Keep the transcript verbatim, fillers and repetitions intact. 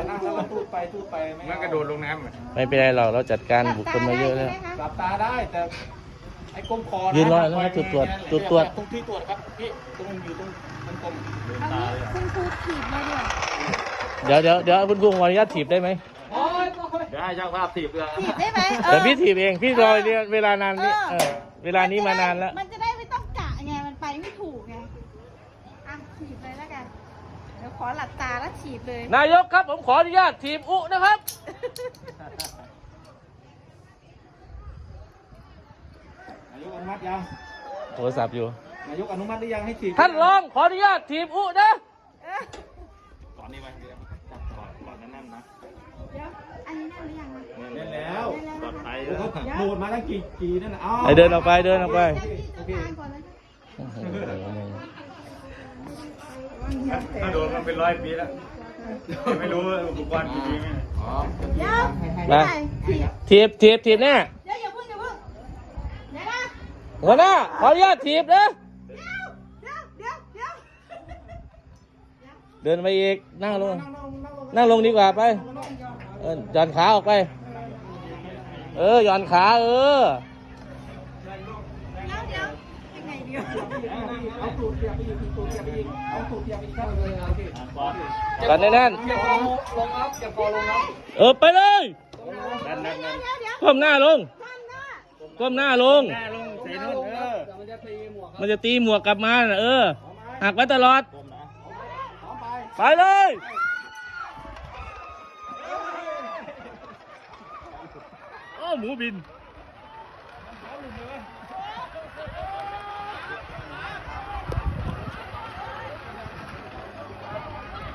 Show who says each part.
Speaker 1: นั่งแล้วก็ทูดไปทูดไปมันกระโดดลงน้ำ
Speaker 2: ไม่เป็นไรหรอกเราจัดการบุคคลมาเยอะแล้ว
Speaker 1: หลับตาได้แต่ไอ้ก้มคอ
Speaker 2: ยืนรอแล้วจุดตรวจจุดตรวจ
Speaker 1: ตรงที่ตรวจครับพี่ตรงอยู่ตรงมันกลม
Speaker 3: คุณครูถีบเลย
Speaker 2: เดี๋ยวเดี๋ยวเดี๋ยวคุณครูขออนุญาตถีบได้ไหม
Speaker 1: เดี๋ยวให้ช่างภาพถีบเลย
Speaker 3: ถีบได้ไหม
Speaker 2: เดี๋ยวพี่ถีบเองพี่รอเวลานานนี่เวลานี้มานานแล้ว
Speaker 3: มันจะได้ไม่ต้องกะไงมันไปไม่ถูกไงอ่ะถีบเลยแล้วกันเดี๋ยวขอหลับตาแล้วถีบเลย
Speaker 2: นายกครับผมขออนุญาตถีบอุนะครับ
Speaker 1: นายกอนุมัติยัง
Speaker 2: โทรศัพท์อยู่
Speaker 1: นายกอนุมัติหรือยังให้ถีบ
Speaker 2: ท่านรองขออนุญาตถีบอุนะ
Speaker 1: ก่อนนี้ไว้เดี๋ยวจับก่อนก่อนนั่นนะ
Speaker 3: เดี๋ยวอันนี้แน่นหรือยัง
Speaker 1: เล่นแล้วปลอดภัยแล้วโดดมาตั้งกี่กี่นั่นน่ะ
Speaker 2: ไอเดินออกไปเดินออกไป
Speaker 1: ถ้าโดนมันเป็นร้อยปีแล้วไม่รู้อุปกรณ์กี่ปีไหมอ๋อ
Speaker 3: มา
Speaker 2: ถีบถีบถีบแน่
Speaker 3: เดี๋ยวอย่าพึ่งอย่าพึ่งเดี๋ยวนะ
Speaker 2: หัวหน้าขออนุญาตถีบนะเดินไปอีกนั่งลงนั่งลงดีกว่าไปเออหย่อนขาออกไปเออหย่อนขาเออ
Speaker 3: ยังไงเดียว
Speaker 1: เอาตูดเทียบไปอีกตูดเทียบไปอีกเอาตูดเทียบไปอีกครับเลยโอเค
Speaker 2: กันแน่น
Speaker 1: ๆอย่าพอลงครับอย่าพอลงครับ
Speaker 2: เออไปเลยก้มหน้าลงก้มหน้าลง
Speaker 1: ใส่นุ่นเออ
Speaker 2: มันจะตีหมวกกลับมาเออหักไว้ตลอดไปเลยโอ้หมูบิน